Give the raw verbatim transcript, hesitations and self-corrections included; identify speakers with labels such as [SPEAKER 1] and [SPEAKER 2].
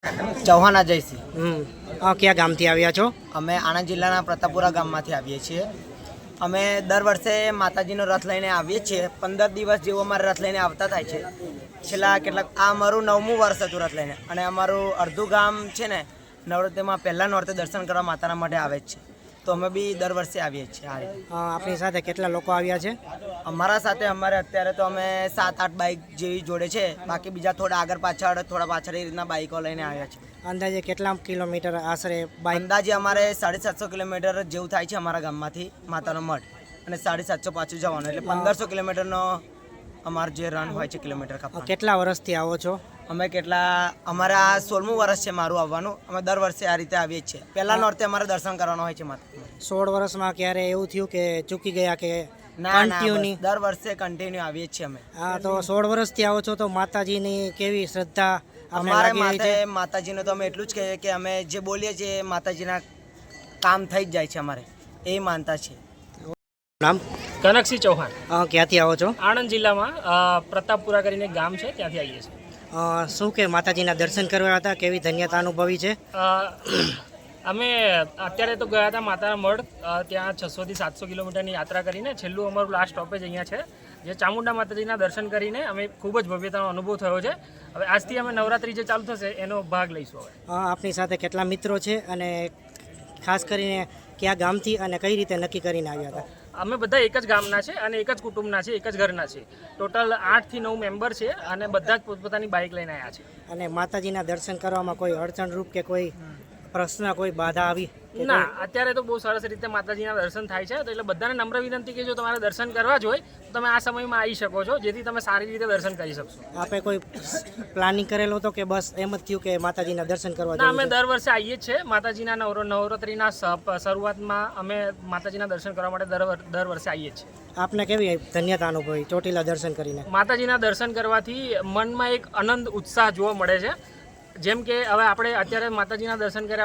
[SPEAKER 1] ચૌહાણ અજયસિંહ.
[SPEAKER 2] હમ આ કયા ગામથી આવ્યા છો?
[SPEAKER 1] અમે આણંદ જિલ્લાના પ્રતાપપુરા ગામમાંથી આવીએ છીએ. અમે દર વર્ષે માતાજીનો રથ લઈને આવીએ છીએ. પંદર દિવસ જેવો અમારે રથ લઈને આવતા થાય છે. છેલ્લા કેટલાક આ અમારું નવમું વર્ષ હતું રથ લઈને, અને અમારું અડધું ગામ છે ને નવરાત્રિમાં પહેલા નોરતે દર્શન કરવા માતાના માટે આવે જ છે. તો અમે બી દર વર્ષે આવીએ છીએ. આ રીતે
[SPEAKER 2] અ, આપણી સાથે કેટલા લોકો આવ્યા છે?
[SPEAKER 1] અમારા સાથે અમારે અત્યારે તો અમે સાત આઠ બાઇક જેવી જોડે છે. બાકી બીજા થોડા આગળ પાછળ થોડા પાછળ એ રીતના બાઇકો લઈને આવ્યા છે.
[SPEAKER 2] અંદાજે કેટલા કિલોમીટર આશરે બાઇક?
[SPEAKER 1] અંદાજે અમારે સાડી સાતસો કિલોમીટર જેવું થાય છે અમારા ગામમાંથી માતાનો મઠ, અને સાડી સાતસો પાછું જવાનું, એટલે પંદરસો કિલોમીટરનો અમારો જે રન હોય છે કિલોમીટર કાપવાનો.
[SPEAKER 2] કેટલા વર્ષથી આવો છો?
[SPEAKER 1] અમે કેટલા અમારે આ સોળમું વર્ષ છે મારું આવવાનું. અમે દર વર્ષે આ રીતે આવીએ જ છીએ. પહેલા નોરતે અમારે દર્શન કરવાનું હોય છે માતા.
[SPEAKER 2] સોળ વર્ષમાં ક્યારે એવું થયું કે ચૂકી ગયા કે
[SPEAKER 1] ના ના,
[SPEAKER 2] કન્ટિન્યુની?
[SPEAKER 1] બસ દર વર્ષે કન્ટિન્યુ આવીએ જ છીએ અમે.
[SPEAKER 2] હા, તો સોળ વર્ષથી આવો છો તો માતાજીની કેવી શ્રદ્ધા આપણે
[SPEAKER 1] અમારે
[SPEAKER 2] લાગી રહી છે?
[SPEAKER 1] માથે માતાજીનું તો અમે એટલું જ કહીએ કે અમે જે બોલીએ છીએ એ માતાજીના કામ થઈ જ જાય છે. અમારે એ માનતા છે.
[SPEAKER 2] નામ?
[SPEAKER 3] કનકસિંહ ચૌહાણ.
[SPEAKER 2] અ, ક્યાંથી આવો છો?
[SPEAKER 3] આણંદ જિલ્લામાં અ, પ્રતાપપુરા કરીને એક ગામ છે, ત્યાંથી આવીએ છીએ.
[SPEAKER 2] અ, શું કે માતાજીના દર્શન કરવા હતા, કેવી ધન્યતા અનુભવી છે?
[SPEAKER 3] અ, અમે અત્યારે તો ગયા હતા માતાના મઢ. અ, ત્યાં છસોથી સાતસો કિલોમીટરની યાત્રા કરીને છેલ્લું અમારું લાસ્ટ સ્ટોપેજ અહીંયા છે, જે ચામુંડા માતાજીના દર્શન કરીને અમે ખૂબ જ ભવ્યતાનો અનુભવ થયો છે. હવે આજથી અમે નવરાત્રિ જે ચાલુ થશે એનો ભાગ લઈશું. હવે
[SPEAKER 2] અ, આપની સાથે કેટલા મિત્રો છે અને ખાસ કરીને કયા ગામથી અને કઈ રીતે નક્કી કરીને આવ્યા હતા?
[SPEAKER 3] અમે બધા એક જ ગામના છે અને એક જ કુટુંબના છે, એક જ ઘરના છે. ટોટલ આઠથી નવ મેમ્બર છે અને બધા જ પોતપોતાની બાઇક લઈને આવ્યા છે.
[SPEAKER 2] અને માતાજીના દર્શન કરવામાં કોઈ અડચણરૂપ કે કોઈ પ્રશ્ન, કોઈ બાધા આવી કે
[SPEAKER 3] ના, અત્યારે તો બહુ સરસ રીતે માતાજીના દર્શન થાય છે. તો એટલે બધાને નમ્ર વિનંતી કે જો તમારે દર્શન કરવા જ હોય તો તમે આ સમયમાં આવી શકો છો, જેથી તમે સારી રીતે દર્શન કરી શકશો.
[SPEAKER 2] આપણે કોઈ પ્લાનિંગ કરેલો હતો કે બસ એમ જ થયું કે માતાજીના દર્શન કરવા
[SPEAKER 3] ના,
[SPEAKER 2] જવું
[SPEAKER 3] અમે
[SPEAKER 2] છે?
[SPEAKER 3] દર વર્ષે આવીએ જ છે. માતાજીના નવરો નવરાત્રિના સ- શરૂઆતમાં અમે માતાજીના દર્શન કરવા માટે દર વર- દર વર્ષે આવીએ જ છે.
[SPEAKER 2] આપને કેવી ધન્યતા અનુભવી ચોટીલા દર્શન કરીને?
[SPEAKER 3] માતાજીના દર્શન કરવાથી મનમાં એક આનંદ ઉત્સાહ જોવા મળે છે. જેમ કે હવે આપણે અત્યારે માતાજીના દર્શન કર્યા